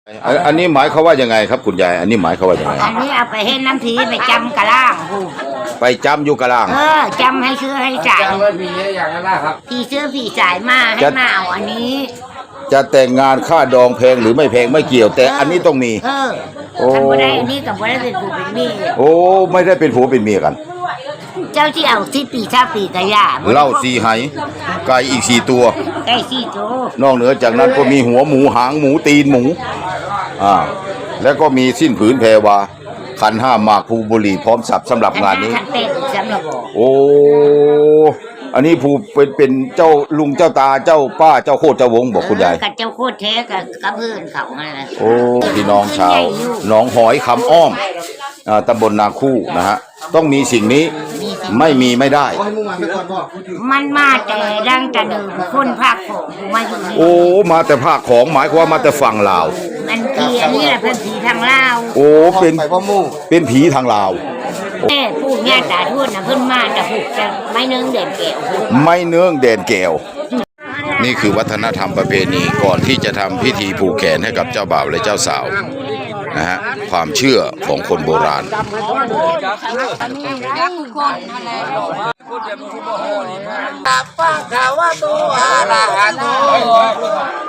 อันนี้หมายเขาว่ายังไงครับคุณยายอันนี้หมายเขาว่ายังไงอันนี้เอาไปให้น้ำผีไปจำกะล่างหูไปจำอยู่กะล่างจำให้ซื้อให้จ่ายจำไว้ผีอย่างนั้นนะครับพี่ซื้อพี่จ่ายมาให้มาเอาอันนี้จะแต่งงานค่าดองแพงหรือไม่แพงไม่เกี่ยวแต่อันนี้ต้องมีท่านบ่ได้อันนี้กับบ่ได้เป็นผู้เป็นเมียโอ้ไม่ได้เป็นผัวเป็นเมียกันเจ้าที่เอา10 ปี20 ปีกะย่าเหล้า4ไหไก่อีก4ตัวไก่4 ตัวนอกเหนือจากนั้นก็มีหัวหมูหางหมูตีนหมูแล้วก็มีสิ้นผืนแพรวาขันห้าหมากภูบุหรี่พร้อมสับสำหรับงานนี้โอ้อันนี้ภูเป็นเจ้าลุงเจ้าตาเจ้าป้าเจ้าโคตรเจ้าวงบอกคุณยายกับเจ้าโคตรแท้กับเพื่อนเขานั่นแหละโอ้พี่น้องชาวหนองหอยคำอ้อมตำบลนาคู่นะฮะต้องมีสิ่งนี้ไม่มีไม่ได้มันมาแต่ดังแต่เดิมคนภาคของมาอยู่นี่โอ้มาแต่ภาคของหมายความว่ามาแต่ฝั่งลาวมันผีอันนี้แหละเป็นผีทางลาวโอ้เป็นผีทางลาวผู้ญาติตาทวดนะเพิ่นมาแต่ผูกจะไม่เนื้อเด่นแก้วไม่เนื้อเด่นแก้วนี่คือวัฒนธรรมประเพณีก่อนที่จะทำพิธีผูกแขนให้กับเจ้าบ่าวและเจ้าสาวนะฮะความเชื่อของคนโบราณปังขาวะโตอะระหะโต